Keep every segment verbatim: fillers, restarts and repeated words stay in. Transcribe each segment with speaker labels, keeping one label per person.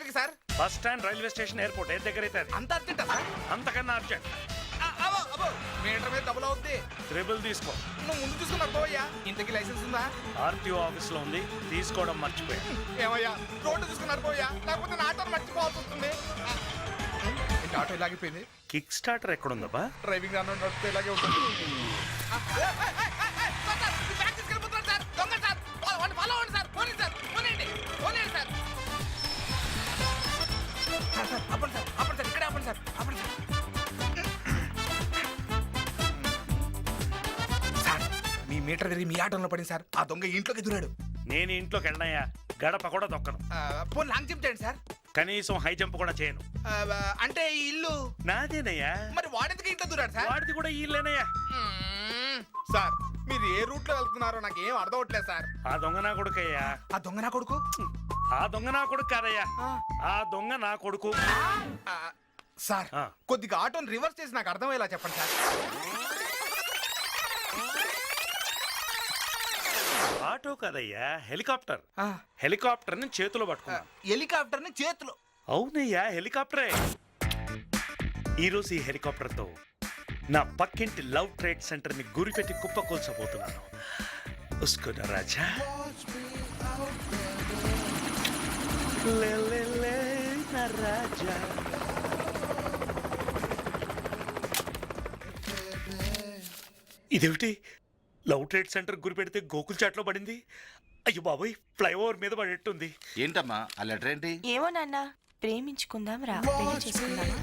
Speaker 1: ఎక్కడికి sir?
Speaker 2: Bus stand, railway station, airport ఏ దగ్గర అయితే
Speaker 1: అంత అర్జెంటా సార్?
Speaker 2: అంతకన్నా అర్జెంట్.
Speaker 1: అబ్బో అబ్బో మీటర్ మీద డబ్బులు అవుద్ది.
Speaker 2: ట్రిబుల్ తీసుకో.
Speaker 1: నువ్వు ముందు చూసుకుని అబ్బోయ్యా. ఇంతకీ లైసెన్స్ ఉందా?
Speaker 2: ఆర్టీఓ ఆఫీస్ లో ఉంది, తీసుకోవడం మర్చిపోయా.
Speaker 1: ఏమయ్యా రోడ్డు చూసుకుని అబ్బోయ్యా, లేకపోతే నా ఆటో మర్చిపోవాల్సి వస్తుంది. ఏంటి ఆటో ఇలాగిపోయింది?
Speaker 2: కిక్ స్టార్టర్ ఎక్కడుందబ్బా?
Speaker 1: డ్రైవింగ్ రాను నడిపితే ఇలాగే ఉంటుంది. అప్పుడు సార్ అప్పుడు సార్ ఇక్కడే అప్పుడు సార్ అప్పుడు సార్ సార్ మీ మీటర్ తిరిగి మీ ఆటంలో పడింది సార్. ఆ దొంగ ఇంట్లోకి దూరాడు.
Speaker 2: నేను ఇంట్లోకి వెళ్ళినాయా, గడప కూడా దొక్కను.
Speaker 1: పోనీ లాంగ్ జంప్ చేయండి సార్.
Speaker 2: కనీసం హై జంప్ కూడా చేయను.
Speaker 1: ఆ, అంటే ఈ ఇల్లు
Speaker 2: నాదేనయ్యా.
Speaker 1: మరి వాడెందుకు ఇంట్లో దూరాడు సార్?
Speaker 2: వాడిది కూడా ఈ ఇల్లేనయ్యా.
Speaker 1: మ్మ్. సార్ మీరు ఏ రూట్ లో వెళ్తున్నారో నాకు ఏం అర్థం అవట్లేదు సార్.
Speaker 2: ఆ దొంగ నా కొడుకయ్యా.
Speaker 1: ఆ దొంగ నా కొడుకు?
Speaker 2: ఆ దొంగ నా కొడుకు కాదయ్యా, ఆ దొంగ నా కొడుకు.
Speaker 1: ఆ, సార్
Speaker 2: ఆ.
Speaker 1: కొద్దిగా ఆటోని రివర్స్ చేసి నాకు అర్థమయ్యేలా చెప్పండి సార్.
Speaker 2: ఆటో కాదయ్యా, హెలికాప్టర్.
Speaker 1: ఆ,
Speaker 2: హెలికాప్టర్ ని చేతిలో పట్టుకున్నా.
Speaker 1: హెలికాప్టర్ ని చేతిలో?
Speaker 2: అవునయ్యా, హెలికాప్టరే. ఈరోజు ఈ హెలికాప్టర్ తో నా పక్కింటి లవ్ ట్రేడ్ సెంటర్ ని గురిపెట్టి కుప్పకూల్చబోతున్నాను. ఉస్కున రాజా లే లే లే నా రాజా. ఇదేమిటి, లవ్ ట్రేడ్ సెంటర్ గురి పెడితే గోకుల్ చాట్లో పడింది. అయ్యో బాబోయ్, ఫ్లైఓవర్ మీద పడేట్టుంది.
Speaker 3: ఏంటమ్మా ఆ లెటర్ ఏంటి?
Speaker 4: ఏమో నాన్న, ప్రేమించుకుందాం రా, పెళ్లి చేసుకుందామా?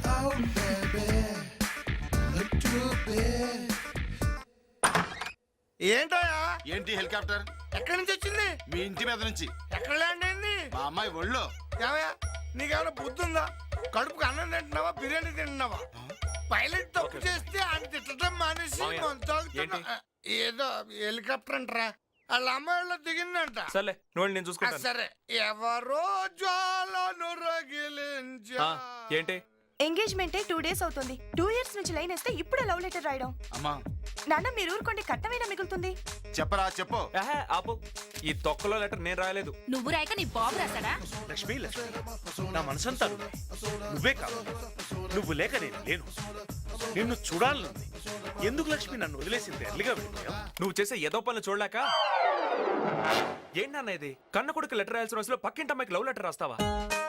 Speaker 1: ఏంటోయా?
Speaker 3: ఏంటి హెలికాప్టర్?
Speaker 1: ఎక్కడి నుంచి వచ్చింది?
Speaker 3: మీ ఇంటి మీద నుంచి.
Speaker 1: ఎక్కడ ల్యాండ్ అయింది?
Speaker 3: మా అమ్మాయి ఒళ్ళో.
Speaker 1: ఏమయ్యా నీకేమైనా బుద్ధి ఉందా? కడుపుకి అన్నం తింటున్నావా, బిర్యానీ తింటున్నావా? పైలట్ తప్పు చేస్తే ఆయన తిట్టడం మానేసి మంచాగుతున్నా. ఏదో హెలికాప్టర్ అంటరా, వాళ్ళ అమ్మాయిలో దిగిందంట.
Speaker 5: సర్లే నువ్వు నేను
Speaker 1: ఆ,
Speaker 5: చూసుకుంటాను.
Speaker 1: సరే. ఎవరో జ్వాలను రగిలించా.
Speaker 5: ఆ, ఏంటి?
Speaker 4: ఎంగేజ్మెంట్ టూ డేస్ అవుతుంది. టూ ఇయర్స్ నుంచి లైన్ వేస్తే ఇప్పుడే లవ్ లెటర్ రాయడం.
Speaker 3: అమ్మా
Speaker 4: నాన్న మీరు ఊరుకోండి, కట్టమైనా మిగులుతుంది.
Speaker 3: చెప్పరా చెప్పు.
Speaker 5: ఆహా, ఆపు. ఈ తొక్కలో లెటర్ నేను రాయలేదు.
Speaker 6: నువ్వు రాయక నీ బాబు రాస్తాడా?
Speaker 2: లక్ష్మి లక్ష్మి, నా మనసంతా నువ్వే. నువ్వే కాదు, నువ్వు లేక నేను లేను. నిన్ను చూడాలనుంది. ఎందుకు లక్ష్మి నన్ను వదిలేసింది ఎర్లిగా వెళ్ళిపోయావు?
Speaker 5: నువ్వు చేసే ఏదో పనులు చూడలేక. ఏంటన్న ఇది? కన్న కొడుకు లెటర్ రాయాల్సిన రోజులో పక్కింటి అమ్మాయికి లవ్ లెటర్ రాస్తావా?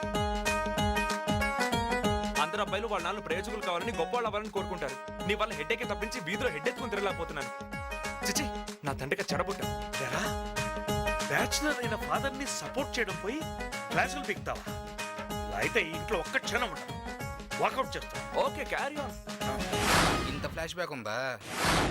Speaker 5: అందరు అబ్బాయిలు వాళ్ళ నాన్న ప్రయోజకులు కావాలని గొప్ప వాళ్ళు అవ్వాలని కోరుకుంటారు. నీ వల్ల హెడ్ ఎక్కి తప్పించి వీధిలో హెడ్ ఎత్తుకుని తిరగలేకపోతున్నాను. చిచి, నా తండ్రికి చెడబుట్టా.
Speaker 2: ఎరా, బ్యాచులర్ అయిన ఫాదర్ ని సపోర్ట్ చేయడం పోయి క్లాసులు బిగుతావా? ఇలా అయితే ఈ ఇంట్లో ఒక్క క్షణం ఉండదు. వాకౌట్ చేస్తా.
Speaker 5: Okay, carry on.
Speaker 1: ఇంత ఫ్లాష్ బ్యాక్ ఉందా?